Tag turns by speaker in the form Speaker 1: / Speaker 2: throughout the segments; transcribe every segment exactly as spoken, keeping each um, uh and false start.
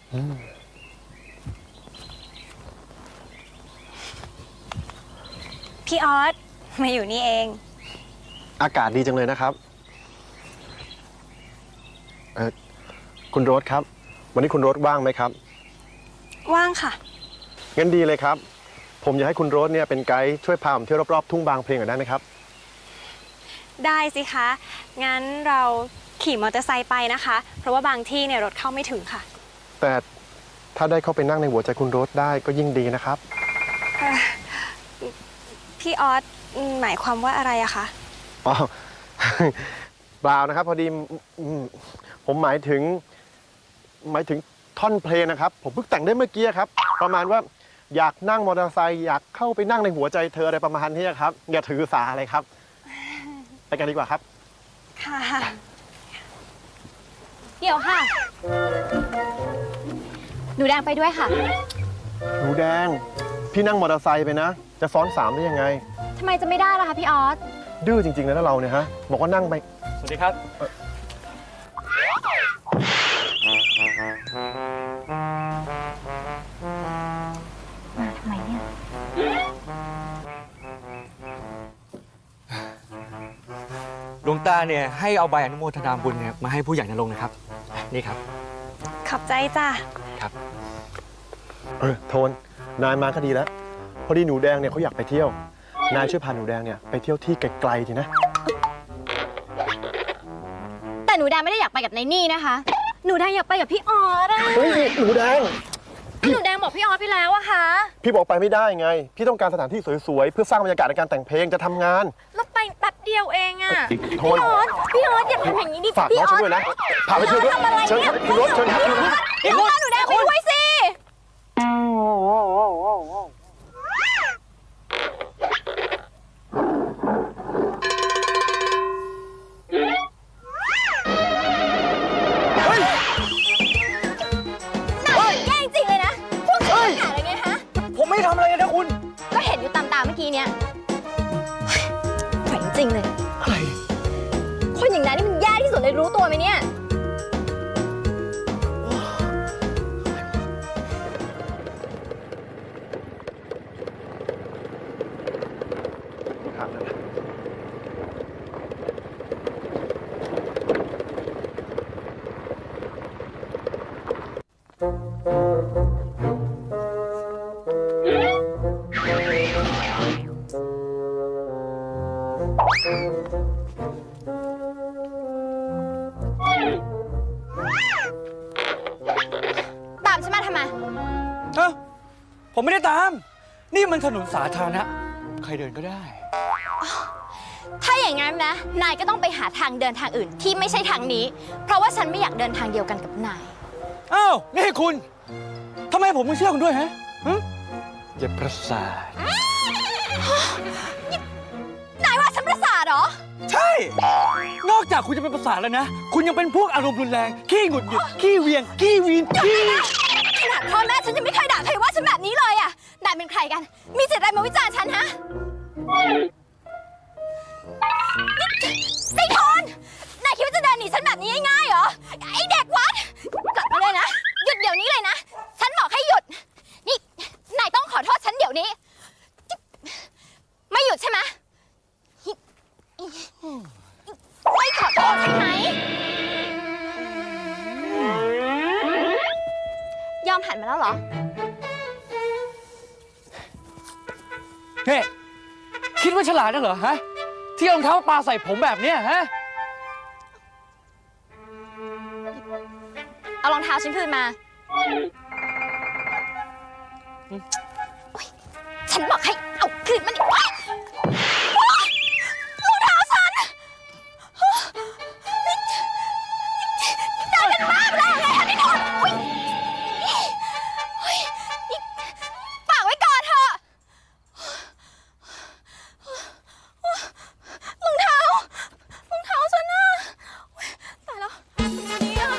Speaker 1: พี่ออสมาอยู่นี่เอง
Speaker 2: อากาศดีจังเลยนะครับเออคุณโรสครับวันนี้คุณโรสว่างไหมครับ
Speaker 1: ว่างค่ะ
Speaker 2: งั้นดีเลยครับผมอยากให้คุณโรสเนี่ยเป็นไกด์ช่วยพาผมเที่ยวรอบๆทุ่งบางเพลงหน่อยได้ไหมครับ
Speaker 1: ได้สิคะงั้นเราขี่มอเตอร์ไซค์ไปนะคะเพราะว่าบางที่เนี่ยรถเข้าไม่ถึงค่ะ
Speaker 2: แต่ถ้าได้เข้าไปนั่งในหัวใจคุณโรสได้ก็ยิ่งดีนะครับ
Speaker 1: พี่ออสหมายความว่าอะไรอะคะ
Speaker 2: อ๋อเปล่านะครับพอดีผมหมายถึงหมายถึงท่อนเพลงนะครับผมเพิ่งแต่งได้เมื่อกี้ครับประมาณว่าอยากนั่งมอเตอร์ไซค์อยากเข้าไปนั่งในหัวใจเธออะไรประมาณนี้ครับอย่าถือสาอะไรครับไปกันดีกว่าครับ
Speaker 1: ค่ะเดี๋ยวค่ะหนูแดงไปด้วยค่ะ
Speaker 2: หนูแดงพี่นั่งมอเตอร์ไซค์ไปนะจะซ้อนสามได้ยังไง
Speaker 1: ทำไมจะไม่ได้ล่ะคะพี่ออส
Speaker 2: ดื้อจริงๆเลยนะเราเนี่ยฮะบอกว่านั่งไป
Speaker 3: สวัสดีครับ
Speaker 1: มาทำไมเนี่ย
Speaker 3: หลวงตาเนี่ยให้เอาใบอนุโมทนาบุญเนี่ยมาให้ผู้ใหญ่นรงค์นะครับนี่ครับ
Speaker 1: ขอบใจจ้ะ
Speaker 3: ครับ
Speaker 2: เออโทนนายมาก็ดีแล้วพอดีหนูแดงเนี่ยเขาอยากไปเที่ยวนายช่วยพาหนูแดงเนี่ยไปเที่ยวที่ไกลๆทีนะ
Speaker 1: แต่หนูแดงไม่ได้อยากไปกับนายนี่นะคะหนูแดงอยากไปกับพี่ออสอะ
Speaker 2: เฮ้ยหนูแดง
Speaker 1: หนูแดงบอกพี่ออสไปแล้วอะคะ
Speaker 2: พี่บอกไปไม่ได้ไงพี่ต้องการสถานที่สวยๆเพื่อสร้างบรรยากาศในการแต่งเพลงจะทำงาน
Speaker 1: แล้วไปแป๊บเดียวเองอะ
Speaker 2: โทน
Speaker 1: พี่ออสพี่ออสอย่าทำอย่างนี้ดิ
Speaker 2: ฝากน้องฉันด้วยนะพาไปเที่ยวด้วยเชิญคุณรถเชิญครับ
Speaker 1: พี่ออสหนูแดงไปด้วยสิ
Speaker 3: ผมไม่ทำอะไรนะคุณ
Speaker 1: ก็เห็นอยู่ตามตาเมื่อกี้เนี้ยไหวจริงเลย
Speaker 3: อะไร
Speaker 1: คนอย่างนั้นนี่มันแย่ที่สุดเลยรู้ตัวไหมเนี่ยตามฉันมาทำไม
Speaker 3: เอ้าผมไม่ได้ตามนี่มันถนนสาธารณะใครเดินก็ได้
Speaker 1: ถ้าอย่างนั้นนะนายก็ต้องไปหาทางเดินทางอื่นที่ไม่ใช่ทางนี้เพราะว่าฉันไม่อยากเดินทางเดียวกันกับนาย
Speaker 3: อ้าวนี่คุณทำไมผมไม่เชื่อคุณด้วยฮะอย่าประสาท
Speaker 1: นายว่าฉันประสาทเหรอ
Speaker 3: ใช่นอกจากคุณจะเป็นประสาทแล้วนะคุณยังเป็นพวกอารมณ์รุนแรงขี้หงุดหงิดขี้เวียงขี้วีนขี้
Speaker 1: ขนาดพ่อแม่ฉันยังไม่เคยด่าใครว่าฉันแบบนี้เลยอ่ะนายเป็นใครกันมีสิทธิ์อะไรมาวิจารณ์ฉันฮะไอ้ทอนนายคิดว่าจะเดินหนีฉันแบบนี้ง่ายๆเหรอไอ้เด็กวัดกลับมาเลยนะหยุดเดี๋ยวนี้เลยนะฉันบอกให้หยุดนี่นายต้องขอโทษฉันเดี๋ยวนี้ไม่หยุดใช่ไหมไม่ขอโทษใช่ไหมยอมหันมาแล้วเหรอ
Speaker 3: เฮ้คิดว่าฉลาดนักเหรอฮะที่รองเท้าปลาใส่ผมแบบเนี้ยฮะ
Speaker 1: เอารองเท้าฉันคืนมาฉันบอกให้เอาคืนมาดิรองเท้าฉันได้กันมากแล้วไงฮะนี่ทนฝากไว้ก่อนเถอะรองเท้ารองเท้าฉันน่ะตายแล้วนี่อ่ะ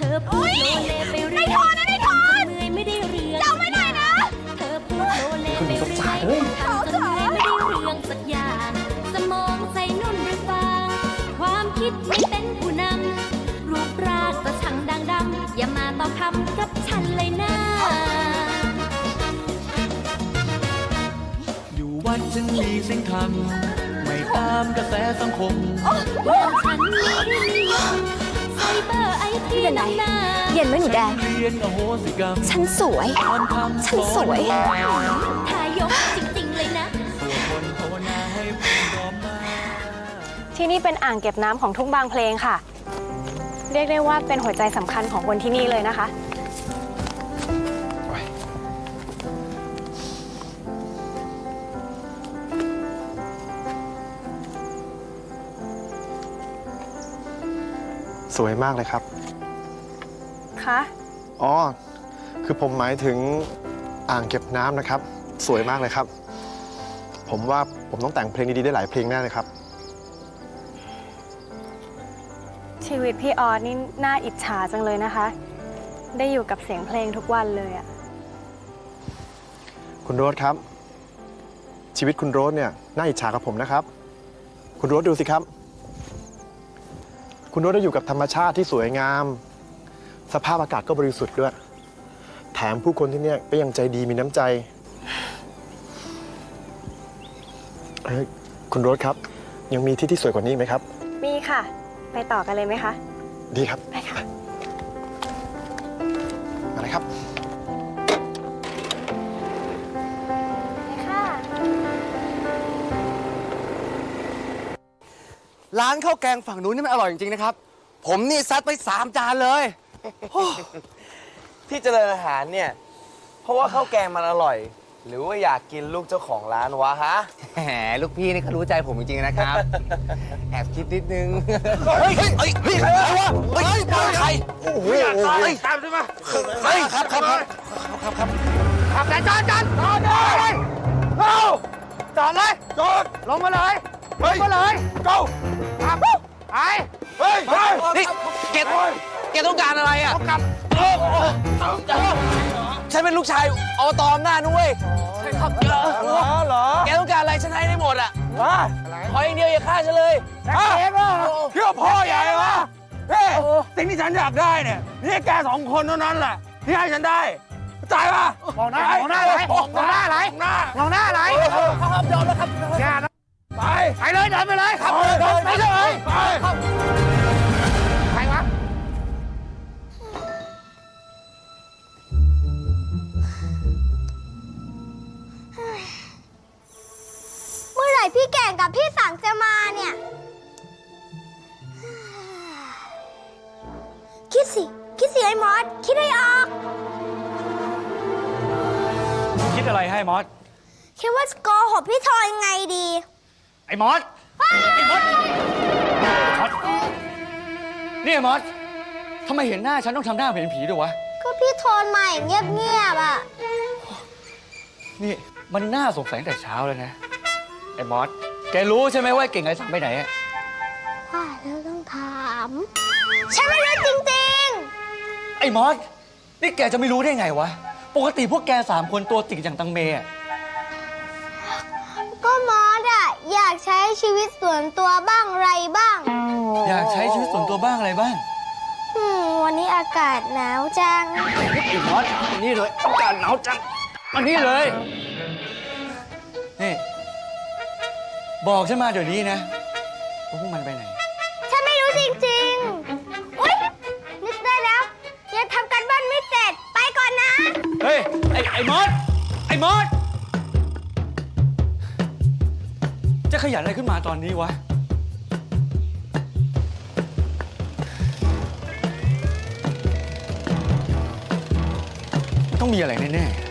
Speaker 4: อพูดโลเลไปเรื่อย
Speaker 1: นายทอนนะนายทอน
Speaker 4: เมื่อยไม่ได้เรื่อง
Speaker 1: เดาไม่ได้นะ
Speaker 4: เธอพูดโลเลไปเรื่อยทำจนเหนื่อยไม่ได้เรื่องสักอย่าง สมองใส่นุ่นหรือฟางความคิดไม่เป็นผู้นำรูปร่างก็ช่างดังดำอย่ามาต่อคำกับฉันเลยนะ
Speaker 3: อยู่วัดฉันมีสิ่งทำไม่ตามกระแสสังคม
Speaker 4: อย่างฉันไม่ได้นิยมไซเบอร์ไอที
Speaker 1: ไม่เป็นไร
Speaker 4: หน้า
Speaker 1: เย็นไหมหนูแดง
Speaker 3: เรียนอโหสิกรรม
Speaker 1: ฉันสวย
Speaker 3: ตอนทำ
Speaker 1: ฉันสวย
Speaker 4: ทายกจริงๆเลยนะ
Speaker 3: สวดมนต์ภาวนาให้ผมยอมมา
Speaker 5: ที่นี่เป็นอ่างเก็บน้ำของทุ่งบางเพลงค่ะ เรียกได้ว่าเป็นหัวใจสำคัญของคนที่นี่เลยนะคะ
Speaker 2: สวยมากเลยครับ
Speaker 5: คะ
Speaker 2: อ๋อ คือผมหมายถึงอ่างเก็บน้ำนะครับ สวยมากเลยครับ ผมว่าผมต้องแต่งเพลงดีๆได้หลายเพลงแน่เลยครับ
Speaker 5: ชีวิตพี่ออสนี่น่าอิจฉาจังเลยนะคะ ได้อยู่กับเสียงเพลงทุกวันเลยอะ
Speaker 2: คุณโรสครับ ชีวิตคุณโรสเนี่ยน่าอิจฉากับผมนะครับ คุณโรสดูสิครับ คุณโรสได้อยู่กับธรรมชาติที่สวยงาม สภาพอากาศก็บริสุทธิ์ด้วย แถมผู้คนที่เนี่ยก็ยังใจดีมีน้ำใจเอ้ยคุณโรสครับ ยังมีที่ที่สวยกว่านี้ไหมครับ
Speaker 5: มีค่ะ ไปต่อกันเลยไหมคะ
Speaker 2: ดีครับ
Speaker 5: ไปค่ะ
Speaker 2: มาเลยครับ
Speaker 5: ไปค่ะ
Speaker 6: ร้านข้าวแกงฝั่งนู้นนี่มันอร่อยจริงๆนะครับ ผมนี่ซัดไปสามจานเลย
Speaker 7: ที่เจริญอาหารเนี่ย เพราะว่าข้าวแกงมันอร่อย หรือว่าอยากกินลูกเจ้าของร้านวะฮะ
Speaker 6: แหมลูกพี่นี่เขารู้ใจผมจริงๆนะครับ แอบคิดนิดนึง เฮ้ย เฮ้ย เฮ้ย เฮ้ยใครวะเฮ้ยใครโอ้โหเฮ้ย
Speaker 7: ตามใช่ไหม
Speaker 6: เฮ้ยครับครับครับครับครับ
Speaker 7: ขับแต่จานจานจอดเลยเอาจอดเลยจอดลงมาเลยลงมาเลยเก้าขับไปเฮ้ยเฮ้ย
Speaker 6: นี่เกดเกดต้องการอะไรอ่ะ
Speaker 7: กลับ
Speaker 6: ฉันเป็นลูกชายอบตอำนาจนุ้ย
Speaker 7: เหรอเหรอ
Speaker 6: แกต้องการอะไรฉันให้ได้หมดอ่ะ
Speaker 7: ฮะ
Speaker 6: ขออย่างเดียวอย่าฆ่าฉันเลย
Speaker 7: ฮะเชื่อพ่อใหญ่วะเฮ้ยสิ่งที่ฉันอยากได้เนี่ยนี่แกสองคนเท่านั้นแหละที่ให้ฉันได้จ่ายป่ะมองหน้ามองหน้าไหลมองหน้าไหลมองหน้าไหล
Speaker 6: ครับยอมแล้วครับ
Speaker 7: แกนะไปไปเลยเดินไปเลยครับเดินไปเลยไปใครวะ
Speaker 1: เมื่อไหร่พี่แก่งกับพี่สังจะมาเนี่ย คิดสิ คิดสิไอ้มอส คิดให้ออก
Speaker 3: คิดอะไรให้มอส
Speaker 1: คิดว่าจะโกหกพี่ทอยยังไงดี
Speaker 3: ไอ้มอส ไอ้มอส มอส นี่ไอ้มอสทำไมเห็นหน้าฉันต้องทำหน้าเป็นผีด้วยวะ
Speaker 1: ก็พี่โทนมาอย่างเงียบๆอ่ะ
Speaker 3: นี่มันน่าสงสัยตั้งแต่เช้าเลยนะ ไอ้มอส แกรู้ใช่ไหมว่าไอ้เก่งไอ้สังไปไหนอะ
Speaker 1: ว่าแล้วต้องถาม ฉันไม่รู้จริง
Speaker 3: ไอ้มอส นี่แกจะไม่รู้ได้ไงวะ ปกติพวกแกสามคนตัวติ่งอย่างตังเมอะ
Speaker 1: ๆ ก็มอสอ่ะ อยากใช้ชีวิตส่วนตัวบ้างไรบ้าง
Speaker 3: อยากใช้ชีวิตส่วนตัวบ้างอะไรบ้าง
Speaker 1: อืม วันนี้อากาศหนาวจัง
Speaker 3: ไอ้มอสอันนี้เลยอากาศหนาวจังอันนี้เลย นี่ บอกฉันมาเดี๋ยวนี้นะว่าพวกมันไปไหน
Speaker 1: ฉันไม่รู้จริงๆ อุ๊ย นึกได้แล้ว ยังทำกันบ้านไม่เสร็จ ไปก่อนนะ
Speaker 3: เฮ้ย ไอ้ ไอ้มอส ไอ้มอส จะขยันอะไรขึ้นมาตอนนี้วะ ต้องมีอะไรแน่ๆ